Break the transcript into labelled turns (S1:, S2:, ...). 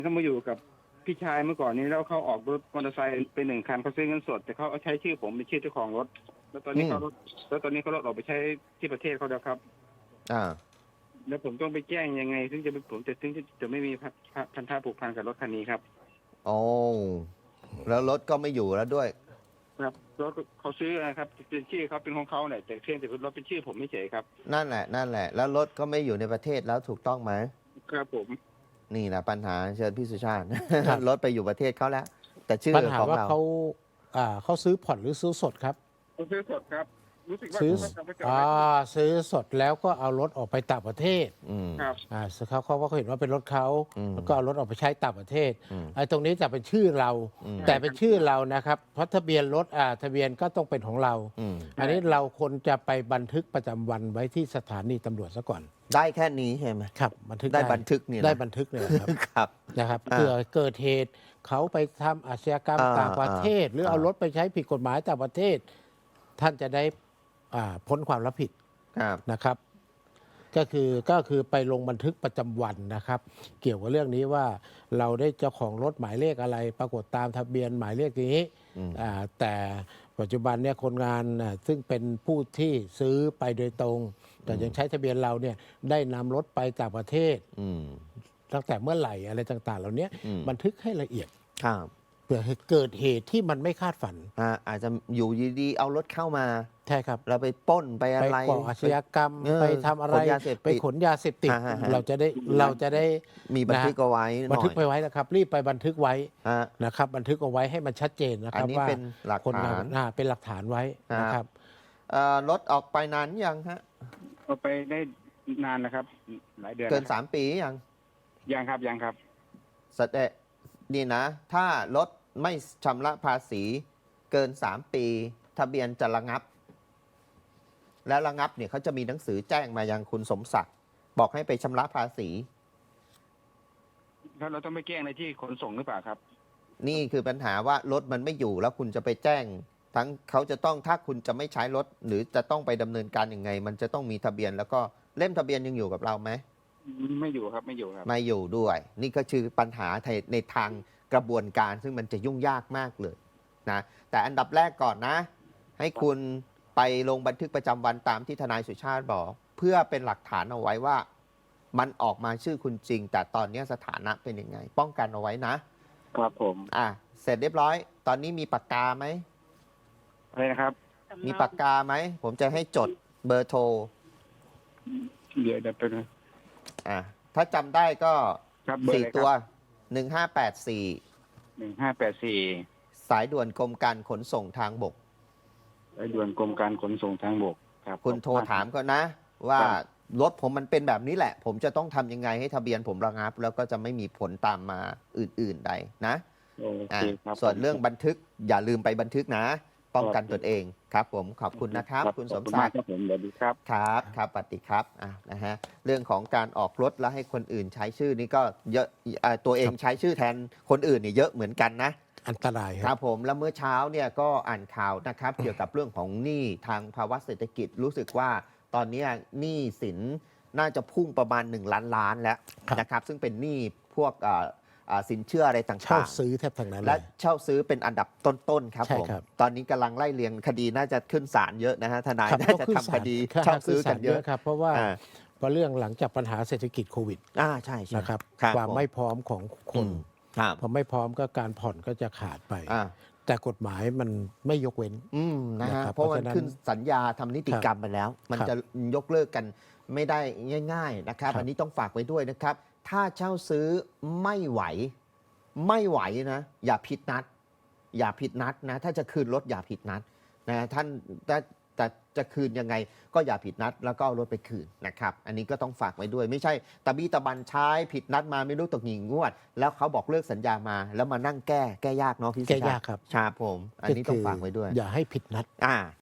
S1: เขามาอยู่กับพี่ชายเมื่อก่อนนี้แล้วเขาออกรถมอเตอร์ไซค์เป็นหนึ่งคันเขาซื้อเงินสดแต่เขาเอาใช้ชื่อผมเป็นชื่อเจ้าของรถแล้วตอนนี้เขารถออกไปใช้ที่ประเทศเขาแล้วครับ
S2: อ่า
S1: แล้วผมต้องไปแจ้งยังไงถึงจะไม่มีพันธะผูกพันกับรถคันนี้ครับ
S2: โอ้แล้วรถก็ไม่อยู่แล้วด้วย
S1: ครับรถเขาซื้อนะครับเป็นชื่อเขาเป็นของเขาเนี่ยแต่เพียงแต่รถเป็นชื่อผมไม่เฉยครับ
S2: นั่นแหละแล้วรถก็ไม่อยู่ในประเทศแล้วถูกต้องไหม
S1: ครับผม
S2: นี่แหละปัญหาเชิญพี่สุชาติ รถไปอยู่ประเทศเขาแล้ว แต่ชื่อ
S3: ปัญหา
S2: ของ
S3: ว่า
S2: เรา
S3: เขาซื้อผ่อนหรือซื้อสดครับ
S1: ผมซื้อสดครับรู้สึกว่า
S3: ซื้อ
S1: เขาจะ
S3: ซื้อสดแล้วก็เอารถออกไปต่างประเทศ
S1: ครับ
S3: เขาก็เห็นว่าเป็นรถเขาแล้วก็เอารถออกไปใช้ต่างประเทศไอ้ตรงนี้จะเป็นชื่อเราแต่เป็นชื่อเรานะครับเพราะทะเบียนรถทะเบียนก็ต้องเป็นของเราอันนี้เราควรจะไปบันทึกประจำวันไว้ที่สถานีตำรวจซะก่อน
S2: ได้แค่นี้ใช่ไหม
S3: ครับบันทึก
S2: ได้บันทึกนี่
S3: ได้บันทึกเลยครับ
S2: ครับ
S3: นะครับเผื่อเกิดเหตุเขาไปทำอาชญากรรมต่างประเทศ หรือเอารถไปใช้ผิดกฎหมายต่างประเทศ ท่านจะได้พ้นความรับผิดนะครับก็คือไปลงบันทึกประจำวันนะครับเกี่ยวกับเรื่องนี้ว่าเราได้เจ้าของรถหมายเลขอะไร ปรากฏตามทะเบียนหมายเลขนี้แต่ปัจจุบันเนี่ยคนงานซึ่งเป็นผู้ที่ซื้อไปโดยตรงแต่ยังใช้ทะเบียนเราเนี่ยได้นำรถไปต่างประเทศตั้งแต่เมื่อไหร่อะไรต่างๆเหล่านี้บันทึกให้ละเอียดเผื่อเกิดเหตุที่มันไม่คาดฝัน
S2: อาจจะอยู่ดีๆเอารถเข้ามา
S3: ใช่ครับ
S2: เราไปปล้นไปอะไร
S3: ไปก่ออาชญากรรมไปทำอะไรไปขนยาเสพติดเราจะได้
S2: มีบันทึกเอาไว้
S3: บันทึกไปไว้นะครับรีบไปบันทึกไว้นะครับบันทึกเอาไว้ให้มันชัดเจนนะครับว่า
S2: คนงาน
S3: เป็นหลักฐานไว้นะครับ
S2: รถออกไปนานยังฮะ
S1: ออกไปได้นานนะครับหลายเดือน
S2: เกิน3 ปี
S1: ยังครับ
S2: แสดงนี่นะถ้ารถไม่ชำระภาษีเกิน3 ปีทะเบียนจะระงับและระงับเนี่ยเขาจะมีหนังสือแจ้งมายังคุณสมศักดิ์บอกให้ไปชำระภาษี
S1: แล้วเราต้องไปแจ้งในที่ขนส่งหรือเปล่าครับ
S2: นี่คือปัญหาว่ารถมันไม่อยู่แล้วคุณจะไปแจ้งทั้งเขาจะต้องถ้าคุณจะไม่ใช้รถหรือจะต้องไปดำเนินการยังไงมันจะต้องมีทะเบียนแล้วก็เล่มทะเบียนยังอยู่กับเราไหม
S1: ไม่อยู่ครับไม่อยู่
S2: ด้วยนี่ก็คือปัญหาในทางกระบวนการซึ่งมันจะยุ่งยากมากเลยนะแต่อันดับแรกก่อนนะให้คุณไปลงบันทึกประจำวันตามที่ทนายสุชาติบอกเพื่อเป็นหลักฐานเอาไว้ว่ามันออกมาชื่อคุณจริงแต่ตอนนี้สถานะเป็นยังไงป้องกันเอาไว้
S1: นะครับผม
S2: เสร็จเรียบร้อยตอนนี้มีปากกาไหม
S1: อะไรนะครับ
S2: มีปากกาไหมผมจะให้จดเบอร์โทร
S1: เดี๋ยวเป็น
S2: ถ้าจำได้ก็4 ตัว
S1: 1584
S2: สายด่วนกรมการขนส่งทางบก
S1: สายด่วนกรมการขนส่งทางบกครับ
S2: คุณโทรถามก็นะว่ารถผมมันเป็นแบบนี้แหละผมจะต้องทำยังไงให้ทะเบียนผมระงับแล้วก็จะไม่มีผลตามมาอื่นๆใดนะส่วนเรื่องบันทึกอย่าลืมไปบันทึกนะป้องกันตนเองครับผมขอบคุณนะครับคุณสมศักดิ์
S1: ครับ
S2: ครับปฏิครับนะฮะเรื่องของการออกรถแล้วให้คนอื่นใช้ชื่อนี่ก็เยอะตัวเองใช้ชื่อแทนคนอื่นนี่เยอะเหมือนกันนะ
S3: อันตราย
S2: ครับผมแล้วเมื่อเช้าเนี่ยก็อ่านข่าวนะครับเกี่ยวกับเรื่องของหนี้ทางภาวะเศรษฐกิจรู้สึกว่าตอนนี้หนี้สินน่าจะพุ่งประมาณ1 ล้านล้านแล้วนะครับซึ่งเป็นหนี้พวกสินเชื่ออะไรต่างๆ
S3: เช่าซื้อแทบทั้งนั้น
S2: และเช่าซื้อเป็นอันดับต้นๆครับผมตอนนี้กำลังไล่เรียงคดีน่าจะขึ้นศาลเยอะนะฮะทนายน่าจะทำคดีเช่าซื้อกันเยอะ
S3: ครับเพราะว่าเรื่องหลังจากปัญหาเศรษฐกิจโควิด
S2: ใช่
S3: นะครับความไม่พร้อมของคนพอไม่พร้อมก็การผ่อนก็จะขาดไปแต่กฎหมายมันไม่ยกเว้น
S2: นะฮะเพราะมันขึ้นสัญญาทำนิติกรรมไปแล้วมันจะยกเลิกกันไม่ได้ง่ายๆนะครับอันนี้ต้องฝากไว้ด้วยนะครับถ้าเช่าซื้อไม่ไหวนะอย่าผิดนัดนะถ้าจะคืนรถอย่าผิดนัดนะท่านแต่จะคืนยังไงก็อย่าผิดนัดแล้วก็เอารถไปคืนนะครับอันนี้ก็ต้องฝากไว้ด้วยไม่ใช่ตะบี้ตะบันใช้ผิดนัดมาไม่รู้ตกหงิงงวดแล้วเขาบอกเลิกสัญญามาแล้วมานั่งแก้ยากเนาะพี่
S3: แก้ยากครับ
S2: ผมอันนี้ต้องฝากไว้ด้วย
S3: อย่าให้ผิดนัด